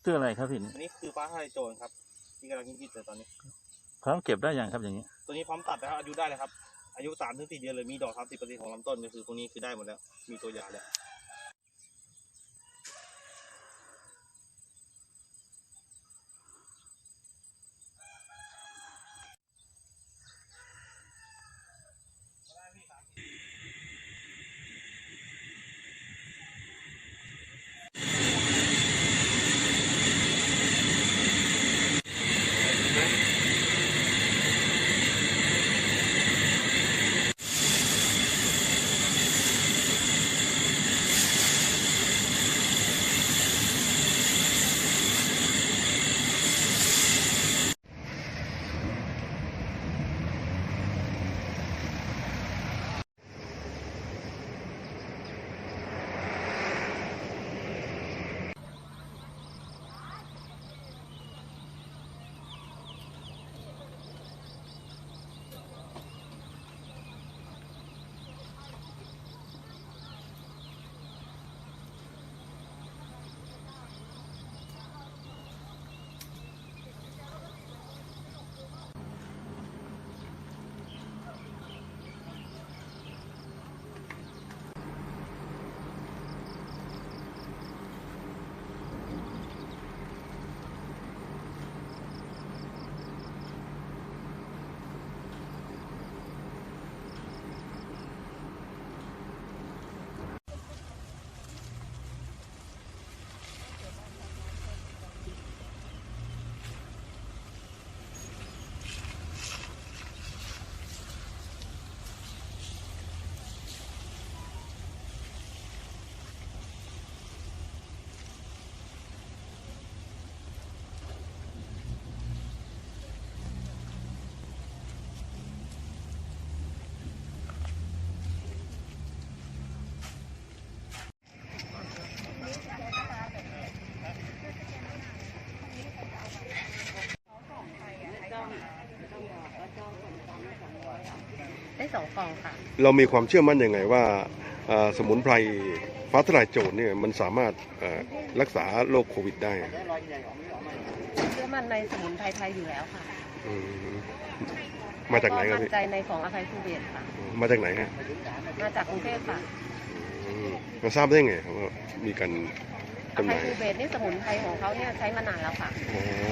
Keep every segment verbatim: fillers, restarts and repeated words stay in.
คืออะไรครับพี่อันนี้คือฟ้าทลายโจรครับที่กำลังฮิตๆเลยตอนนี้พร้อมเก็บได้ยังครับอย่างนี้ตัวนี้พร้อมตัดแล้วอายุได้เลยครับอายุสามถึงสี่เดือนเลยมีดอกสามสิบเปอร์เซ็นต์ของลำต้นก็คือตรงนี้คือได้หมดแล้วมีตัวยาแล้วได้สองกล่องค่ะเรามีความเชื่อมั่นยังไงว่าสมุนไพรฟ้าทลายโจรเนี่ยมันสามารถรักษาโรคโควิดได้เชื่อมั่นในสมุนไพรไทยอยู่แล้วค่ะมาจากไหนครับพี่มั่นใจในของอภัยภูเบศค่ะมาจากไหนฮะมาจากกรุงเทพค่ะมาทราบได้ไงครับว่ามีการอภัยภูเบศนี่สมุนไพรของเขาเนี่ยใช้มานานแล้วค่ะ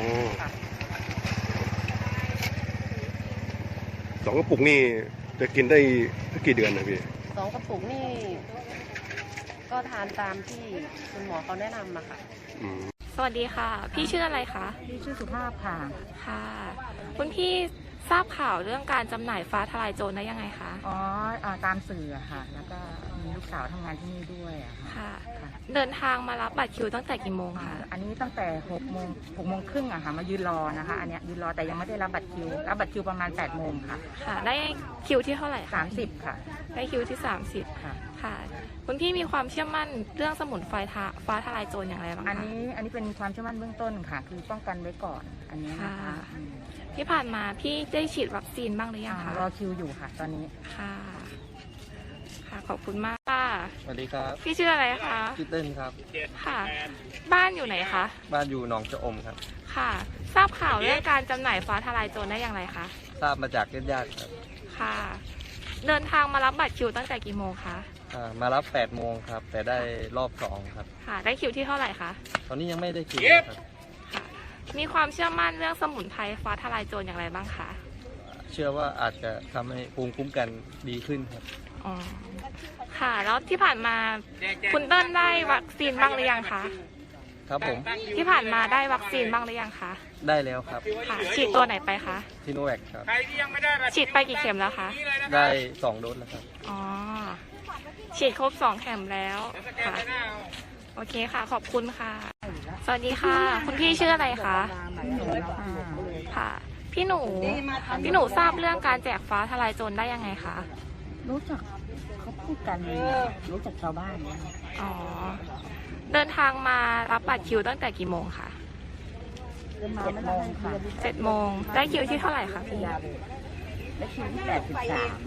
สองกระปุกนี่จะกินได้กี่เดือนนะพี่สองกระปุกนี่ก็ทานตามที่คุณหมอเขาแนะนำมาค่ะสวัสดีค่ะพี่ชื่ออะไรคะพี่ชื่อสุภาพค่ะค่ะคุณพี่ทราบข่าวเรื่องการจำหน่ายฟ้าทลายโจรได้ยังไงคะอ๋อตามสื่อค่ะแล้วก็มีลูกสาวทำงานที่นี่ด้วยอะค่ะเดินทางมารับบัตรคิวตั้งแต่กี่โมงคะอันนี้ตั้งแต่หกโมงหกโมงครึ่งอะค่ะมายืนรอนะคะอันนี้ยืนรอแต่ยังไม่ได้รับบัตรคิวรับบัตรคิวประมาณแปดโมงค่ะค่ะได้คิวที่เท่าไหร่สามสิบค่ะได้คิวที่สามสิบค่ะค่ะคุณพี่มีความเชื่อมั่นเรื่องสมุนไพรฟ้าทลายโจรอย่างไรบ้างคะอันนี้อันนี้เป็นความเชื่อมั่นเบื้องต้นค่ะคือป้องกันไว้ก่อนอันนี้นะคะที่ผ่านมาพี่ได้ฉีดวัคซีนบ้างหรือยังคะรอคิวอยู่ค่ะตอนนี้ค่ะค่ะขอบคุณมากค่ะสวัสดีครับพี่ชื่ออะไรคะชื่อเต้นครับค่ะบ้านอยู่ไหนคะบ้านอยู่หนองจะอมครับค่ะทราบข่าวเรื่องการจำหน่ายฟ้าทลายโจรได้อย่างไรคะทราบมาจากญาติๆครับค่ะเดินทางมารับบัตรคิวตั้งแต่กี่โมงคะมารับแปดโมงครับแต่ได้รอบสองครับค่ะได้คิวที่เท่าไหร่คะตอนนี้ยังไม่ได้คิวครับค่ะมีความเชื่อมั่นเรื่องสมุนไพรฟ้าทลายโจรอย่างไรบ้างคะเชื่อว่าอาจจะทำให้ภูมิคุ้มกันดีขึ้นครับอ๋อค่ะแล้วที่ผ่านมาคุณเติ้ลได้วัคซีนบ้างหรือยังคะครับผมที่ผ่านมาได้วัคซีนบ้างหรือยังคะได้แล้วครับค่ะฉีดตัวไหนไปคะซิโนแวคครับฉีดไปกี่เข็มแล้วคะได้สองโดสแล้วครับอ๋อฉีดครบสองเข็มแล้วค่ะโอเคค่ะขอบคุณค่ะสวัสดีค่ะคุณพี่ชื่ออะไรคะค่ะพี่หนูพี่หนูทราบเรื่องการแจกฟ้าทลายโจรได้ยังไงคะรู้จักเขาพูดกันรู้จักชาวบ้านอ๋อเดินทางมารับบัตรคิวตั้งแต่กี่โมงคะเจ็ดโมงค่ะเจ็ดโมงได้คิวที่เท่าไหร่คะพี่ได้คิวที่แปดสิบสาม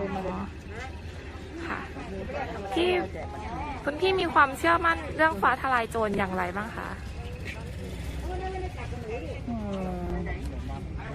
ค่ะที่คุณพี่มีความเชื่อมั่นเรื่องฟ้าทลายโจรอย่างไรบ้างคะ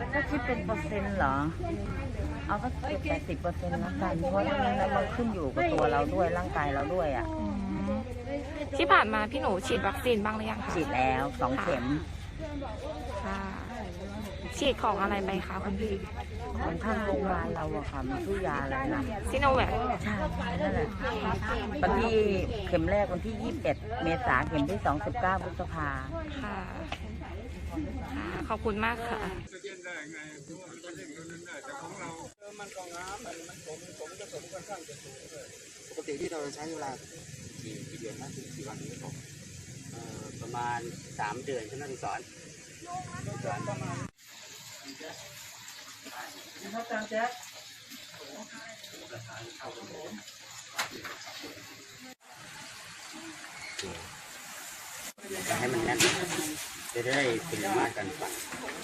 ถ้าคิดเป็นเปอร์เซ็นต์เหรอ เอาก็เกือบแปดสิบเปอร์เซ็นต์แล้วกัน เพราะฉะนั้นมันขึ้นอยู่กับตัวเราด้วยร่างกายเราด้วยอ่ะอืมที่ผ่านมาพี่หนูฉีดวัคซีนบ้างหรือยังคะฉีดแล้วสองเข็มค่ะ ฉีดของอะไรไปคะคุณพี่ของทางโรงพยาบาลเราอะค่ะมันชื่อยาอะไรนะซิโนแวคใช่นั่นแหละวันที่เข็มแรกวันที่ยี่สิบเอ็ดเมษาเข็มที่สองสิบเก้าพฤษภาค่ะค่ะ ขอบคุณมากค่ะปกติที่เราใช้เวลากี่กี่เดือนนะกี่วันนี้ผมเอ่อประมาณสามเดือนใช่ไหมคุณสอนสอนประมาณให้มันแน่นจะได้เป็นมาตรการฝัง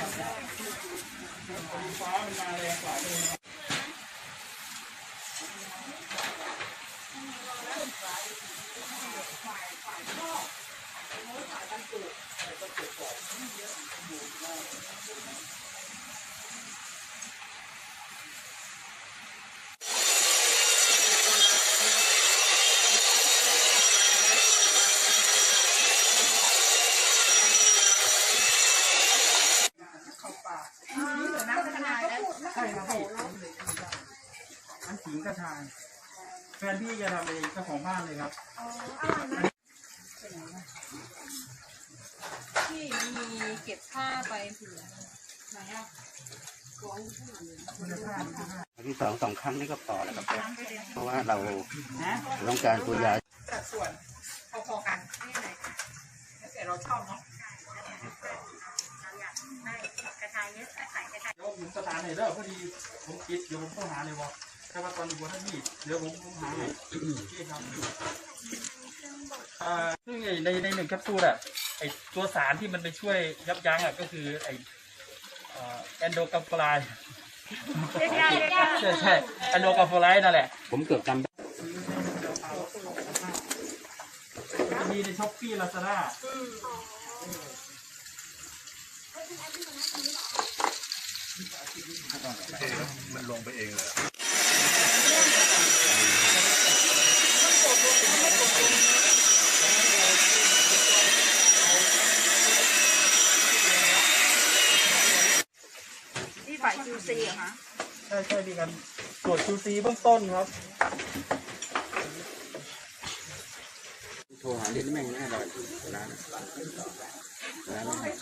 อันขิงกระชายแฟนพี่จะทำเองเจ้าของบ้านเลยครับที่มีเก็บผ้าไปผืนไหนอ่ะที่สองสองครั้งนี่ก็พอแล้วครับเพราะว่าเราต้องการตัวยาสัดส่วนพอๆกันแต่เราชอบเนาะกระชายเยอะใส่กระชายเดี๋ยวผมสถานไหนเด้อพอดีผมคิดเดี๋ยวผมต้องหาเลยบอกแต่ว่าตอนอยู่บนท่านนี่เดี๋ยวผมหาให้พี่ครับอ่าซึ่งในในหนึ่งแคปซูลอะไอตัวสารที่มันไปช่วยยับยั้งอะก็คือไอแอนโดกัมโฟไลด์ใช่ใช่แอนโดกัมโฟไลด์นั่นแหละผมเกือบจำได้จะมีในช้อปปี้ลาซาด้ามันลงไปเองเลยที่ฝ่าย คิว ซี เหรอคะใช่ใช่ดีกันตรวจ คิว ซี เบื้องต้นครับโทรหาเรียนแม่งแน่เลยร้านร้าน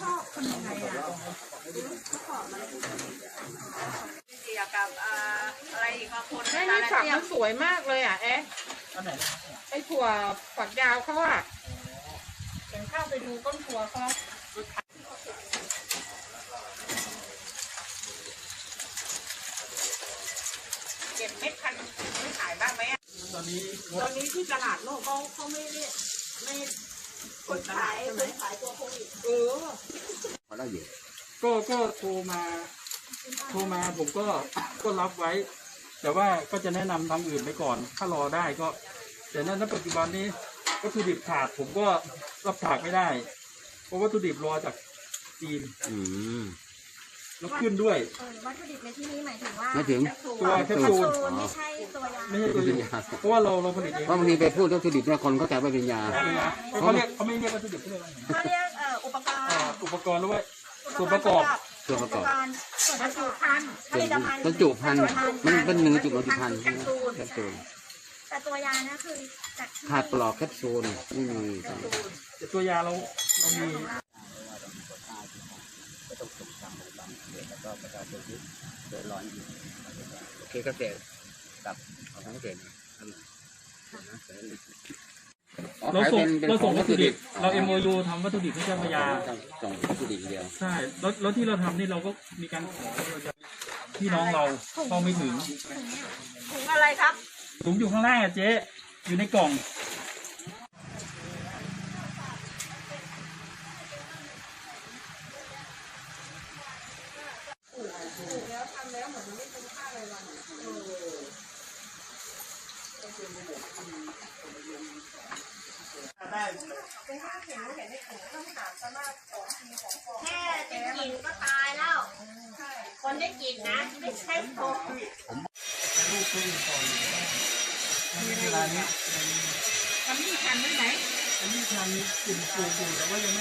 เกี่ยวกับอะไรอีกบางคนแม่นี่ฝักมันสวยมากเลยอ่ะเอ๊ะอันไหนไอ้ถั่วฝักยาวเขาอ่ะเห็นเข้าไปดูต้นถั่วเขาเก็บเม็ดพันธุ์ไม่ขายบ้างไหมอ่ะตอนนี้ตอนนี้ที่ตลาดโลกเขาเขาไม่ได้ไม่คนขายคนขายตัวโควิดเออพอแล้วอยู่ก็ก็โทรมา โทรมาผมก็ก็รับไว้ แต่ว่าก็จะแนะนำทางอื่นไปก่อน ถ้ารอได้ก็ แต่นั้นณปัจจุบันนี้วัตถุดิบขาดผมก็รับถากไม่ได้ เพราะวัตถุดิบรอจากจีนอืมแล้วขึ้นด้วยเออวัตถุดิบในที่นี้หมายถึงว่าไม่ถึงตัวแคปซูลไม่ใช่ตัวยาไม่ใช่ตัวนี้เพราะว่าเราเราผลิตเองเพราะบางทีไปพูดวัตถุดิบเนี่ยคนเข้าใจว่าเป็นยาเขาเรียกเขาไม่เรียกวัตถุดิบเขาเรียกว่าไงเขาเรียกเอ่ออุปกรณ์อ่าอุปกรณ์หรือว่าส่วนประกอบส่วนประกอบส่วนประกอบพันธุ์ผลิตภัณฑ์บรรจุภัณฑ์มันเป็นหนึ่งจุดบรรจุภัณฑ์แคปซูลแคปซูลแต่ตัวยานะคือจากที่ขาดปลอกแคปซูลไม่มีแต่ตัวยาเราเรามีโอเคเกษตรกับของเกษตรเราส่งเราส่งวัตถุดิบเรา เอ็ม โอ ยู ทำวัตถุดิบให้เจ้าพระยาส่งวัตถุดิบเดียวใช่แล้วแล้วที่เราทำนี่เราก็มีการขอเราจะพี่น้องเราเข้าไม่ถึงถุงอะไรครับถุงอยู่ข้างล่างอะเจ๊อยู่ในกล่องแค่ได้กินก็ตายแล้วคนได้กินนะไม่ใช่โตลูกตัวอื่นก่อนมีเวลานี้ทำนี่ทันไหมไหนอันนี้ทางกลุ่มปลูกอยู่แต่ว่ายังไม่